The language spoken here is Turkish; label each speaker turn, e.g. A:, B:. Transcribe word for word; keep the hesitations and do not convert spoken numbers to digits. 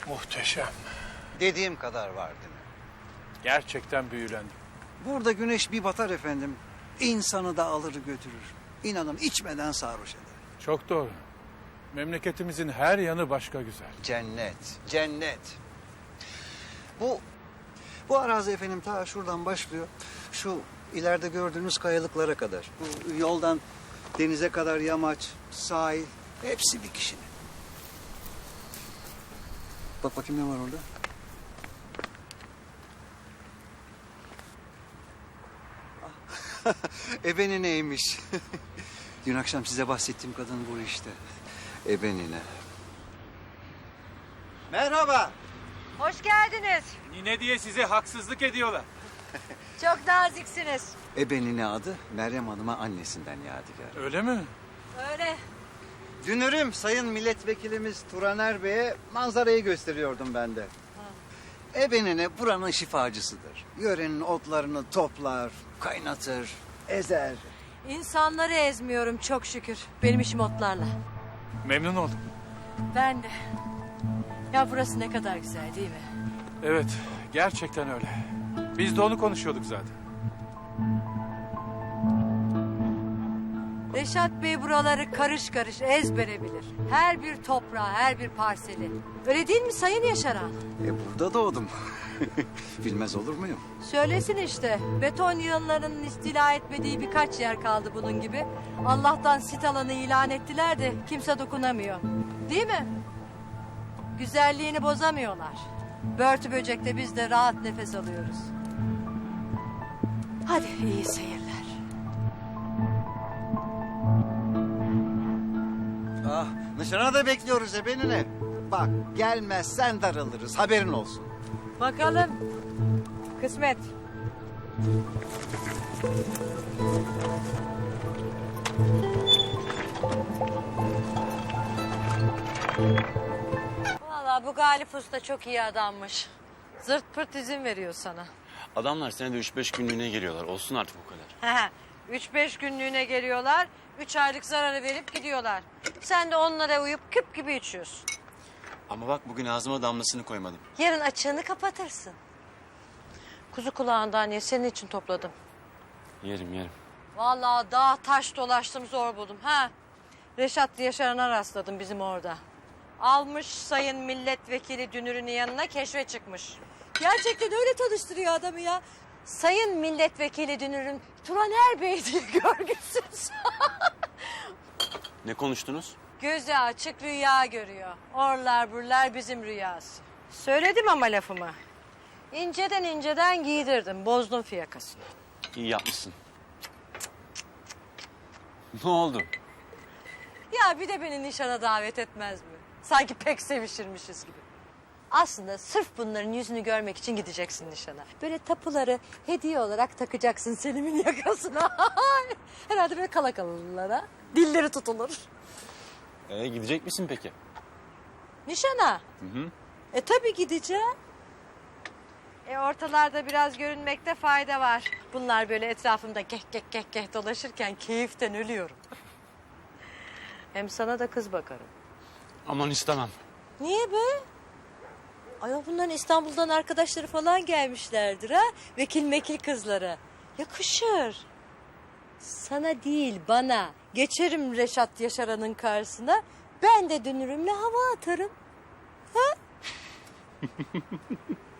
A: Muhteşem.
B: Dediğim kadar var değil mi?
A: Gerçekten büyülendim.
B: Burada güneş bir batar efendim. İnsanı da alır götürür. İnanın içmeden sarhoş eder.
A: Çok doğru. Memleketimizin her yanı başka güzel.
B: Cennet, cennet. Bu bu arazi efendim ta şuradan başlıyor. Şu ileride gördüğünüz kayalıklara kadar. Bu yoldan denize kadar yamaç, sahil hepsi bir kişinin. Bak bakayım ne var orada. Ebeni neymiş? Dün akşam size bahsettiğim kadın bu işte. Ebenine. Merhaba.
C: Hoş geldiniz.
A: Nine diye size haksızlık ediyorlar.
C: Çok naziksiniz.
B: Ebenine adı Meryem Hanım'a annesinden yadigar.
A: Öyle mi?
C: Öyle.
B: Dünürüm Sayın Milletvekilimiz Turaner Bey'e manzarayı gösteriyordum ben de. Ebenine buranın şifacısıdır. Yörenin otlarını toplar, kaynatır, ezer.
C: İnsanları ezmiyorum çok şükür. Benim işim otlarla.
A: Memnun oldum.
C: Ben de. Ya burası ne kadar güzel değil mi?
A: Evet, gerçekten öyle. Biz de onu konuşuyorduk zaten.
C: Reşat Bey buraları karış karış ezbere bilir. Her bir toprağı, her bir parseli. Öyle değil mi Sayın Yaşar Ağa?
B: E burada doğdum. Bilmez olur muyum?
C: Söylesin işte. Beton yığınlarının istila etmediği birkaç yer kaldı bunun gibi. Allah'tan sit alanı ilan ettiler de kimse dokunamıyor. Değil mi? Güzelliğini bozamıyorlar. Börtü böcekte biz de rahat nefes alıyoruz. Hadi iyi seyirler.
B: Ah, nişana da bekliyoruz Ebenine. Bak gelmezsen darılırız haberin olsun.
C: Bakalım. Kısmet. Vallahi bu Galip Usta çok iyi adammış. Zırt pırt izin veriyor sana.
D: Adamlar senede üç beş günlüğüne geliyorlar. Olsun artık o kadar.
C: Üç beş günlüğüne geliyorlar. Üç aylık zararı verip gidiyorlar. Sen de onlara uyup küp gibi içiyorsun.
D: Ama bak bugün ağzıma damlasını koymadım.
C: Yarın açığını kapatırsın. Kuzu kulağından ye, senin için topladım.
D: Yerim yerim.
C: Vallahi dağ taş dolaştım zor buldum. Ha. Reşat Yaşar'ına rastladım bizim orada. Almış sayın milletvekili Dünür'ün yanına keşfe çıkmış. Gerçekten öyle tanıştırıyor adamı ya. Sayın milletvekili Dünür'ün Turaner Bey diye görgüsüz.
D: Ne konuştunuz?
C: Gözü açık rüya görüyor. Orlar burlar bizim rüyası. Söyledim ama lafımı. İnceden inceden giydirdim. Bozdum fiyakasını.
D: İyi yapmışsın. Ne oldu?
C: Ya bir de beni nişana davet etmez mi? Sanki pek sevişirmişiz gibi. Aslında sırf bunların yüzünü görmek için gideceksin nişana. Böyle tapuları hediye olarak takacaksın Selim'in yakasına. Herhalde böyle kala kalırlar. Dilleri tutulur.
D: Ee, gidecek misin peki?
C: Nişana?
D: Hı hı.
C: E tabii gideceğim. E ortalarda biraz görünmekte fayda var. Bunlar böyle etrafımda geh geh geh geh dolaşırken keyiften ölüyorum. Hem sana da kız bakarım.
D: Aman istemem.
C: Niye be? Ayol bunların İstanbul'dan arkadaşları falan gelmişlerdir ha. Vekil mekil kızları. Yakışır. Sana değil bana. Geçerim Reşat Yaşaran'ın karşısına. Ben de dönürümle hava atarım. Ha?